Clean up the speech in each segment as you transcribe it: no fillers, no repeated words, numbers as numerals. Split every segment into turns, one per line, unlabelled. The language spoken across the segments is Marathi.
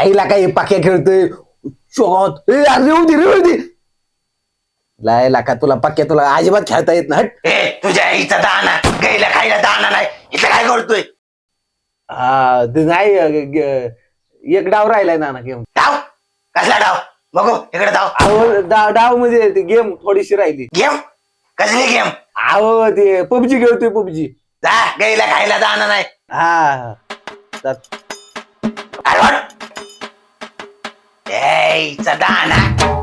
हिला काय पाक्या खेळतोय शोगावत रेवदी लायला का तुला पक्क्या तुला अजिबात खेळता येत ना हट.
तुझ्या आईचा दाना गाईला खायला दाना नाही इथं काय करतोय
हा ते नाही एक डाव राहिलाय ना गेम.
डाव कसला डाव बघू इकडे डाव
अहो डाव म्हणजे ती गेम थोडीशी राहिली.
गेम कसली गेम
अहो ते पबजी खेळतोय पबजी.
जा गाईला खायला दाना नाही
हा
आईचा दाना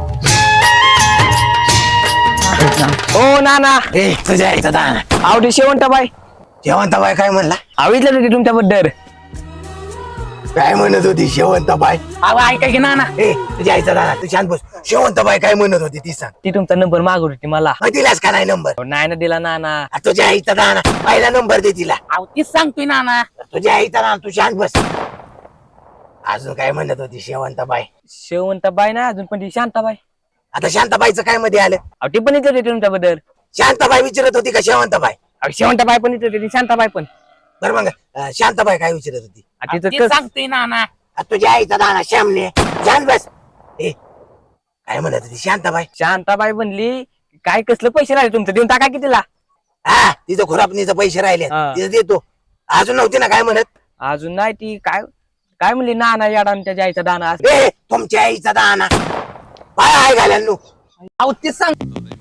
ओ नाना
तुझ्या आईचा दाना
आवडी शेवंताबाई
शेवंताबाई काय म्हणला
आवितलं होती तुमच्याबद्दल.
काय म्हणत होती शेवंताबाई
अहो ऐका की नाना
तुझ्या आईचा दाना तू शांत बस शेवंताबाई काय म्हणत होती ती सांग
ती तुमचा नंबर मागत होती मला.
दिलास का नाही नंबर
नाही ना दिला नाना.
तुझ्या आईचा दाना पहिला नंबर दे तिला
अहो तीच सांगतोय नाना.
तुझ्या आईचा दाना तू शांत बस अजून काय म्हणत होती शेवंताबाई
शेवंताबाई ना अजून पण ती शांताबाई.
आता शांताबाईचं काय मध्ये आलं
अहो ती पण विचारत होती तुमच्याबद्दल.
शांताबाई विचारत होती का शेवंताबाई
अहो शेवंताबाई पण विचारत होती शांताबाई पण.
बरं मग शांताबाई काय विचारत होती
तिचं सांगतोय नाना.
तुझ्या आईचा दाना श्यामने शांत बस काय म्हणत होती शांताबाई
शांताबाई म्हणली काय कसलं पैसे राहिले तुमचं देऊन टाका की तिला.
हा तिथं खुरापणीचं पैसे राहिले
हा.
तिथं देतो अजून नव्हती ना काय म्हणत
अजून नाही ती काय काय म्हणली नाना याडा त्याच्या आईचा दाना.
तुमच्या आईचा दाना काय आहे घालांनू
अहो तीच सांग.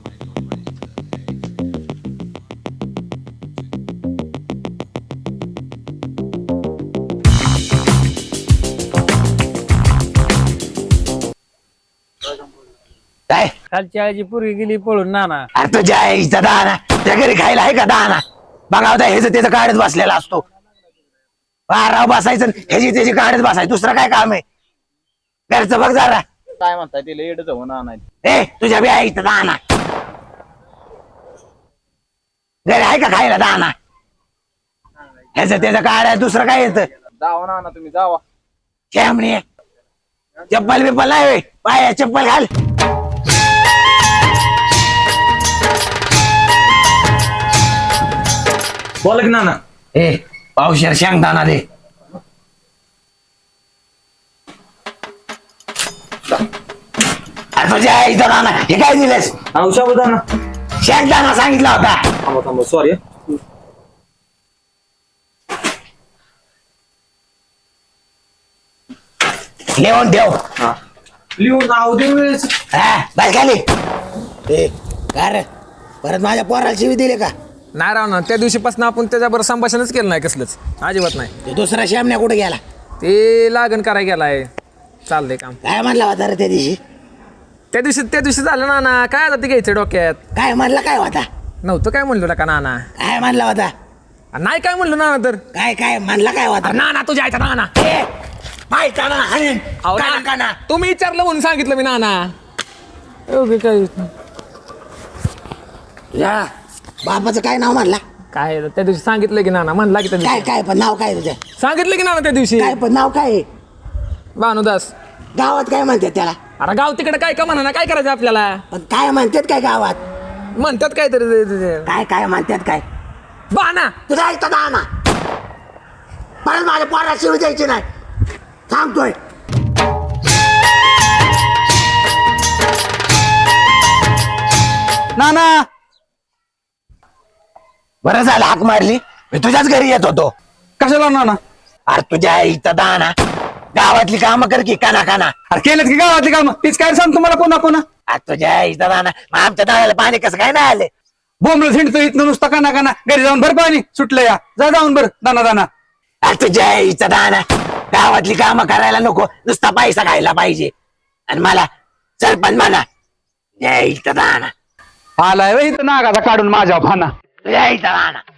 काय
कालची आईची पोरगी गेली पळून नाना.
अरे तुझ्या आईचा दाना त्या घरी खायला आहे का दाना बघा होता ह्याच त्याचं काढत बसलेला असतो बाराव बसायचं ह्याची त्याची काढत बसायचं दुसरं काय काम आहे घरचं बघ जरा
काय म्हणताय तिला एडच होणार नाही.
तुझ्या बी आईचा दाना घरी आहे का खायला दाना ह्याच त्याचं काढ दुसरं काय येतं
जावा ना तुम्ही जावा.
श्यामणे चप्पल बिप्पल नाही होय. पाया चप्पल घाल
बोला की नाना.
पावशेर शेंगदाणा दे अरे तुझ्या आईचा दाना हे काय दिलेस
औषध
शेंगदाणा सांगितला होता
थांबा सॉरी.
लिहून ठेव
लिहून नाव दे वेळेस.
बस खाली परत माझ्या पोराला शिवी दिले का
नाही राव ना त्या दिवशीपासून आपण त्याच्याबरोबर संभाषणच केलं नाही कसलंच अजिबात नाही.
तो दुसरा श्यामण्या कुठे गेला
ते लागण करायला गेलाय चाललंय काम.
काय म्हणला होता रे त्या दिवशी
त्या दिवशी झालं नाना काय आता ते घ्यायचं डोक्यात.
काय म्हणला काय होता
नव्हतं काय म्हणलो का नाना.
काय म्हणला होता
नाही काय म्हणलो नाना तर
काय काय म्हणला काय होता
नाना तुझ्या आयचा नाना.
माहिती ना हाणीन.
अहो,
काना,
नाना,
काना.
तुम्ही विचारलं म्हणून सांगितलं मी नाना. ओके काय
तुझ्या बापाचं काय नाव म्हणला
काय त्या दिवशी सांगितलं की नाना म्हणला की त्या
काय
दिवशी
काय पण नाव काय तुझ्या
सांगितलं की नाना त्या दिवशी
काय पण नाव काय आहे?
भानुदास.
गावात काय म्हणतात त्याला
अरे गाव तिकडे काय का म्हणा काय करायचं आपल्याला
पण काय म्हणतात काय गावात
म्हणतात काय तरी
काय काय म्हणतात काय
बाना.
तुझा ऐकता दाना परत माझ्या पोराला शिवी द्यायची नाही सांगतोय
नाना
बरं झालं हाक मारली मी तुझ्याच घरी येत होतो
कशाला नाना
अरे तुझ्या आईचा दाना गावातली कामं कर की काना काना
अरे केलेत की गावातली काम तीच काय सांग तुम्हाला पुन्हा पुन्हा
अरे तुझ्या आईचा दाना मग आमच्या दाण्याला पाणी कसं काय नाही आले
बोंबल झिंडतो इथनं नुसतं काना काना घरी जाऊन भर पाणी सुटलं या जा जाऊन भर दाना दाना.
अरे तुझ्या आईचा दाना गावातली कामं करायला नको नुसता पैसा खायला पाहिजे आणि मला सरपंच म्हणा तुझ्या आईचा दाना
आलाय इथं नागाचा काढून माझ्या भाना
तुझ्या आईचा दाना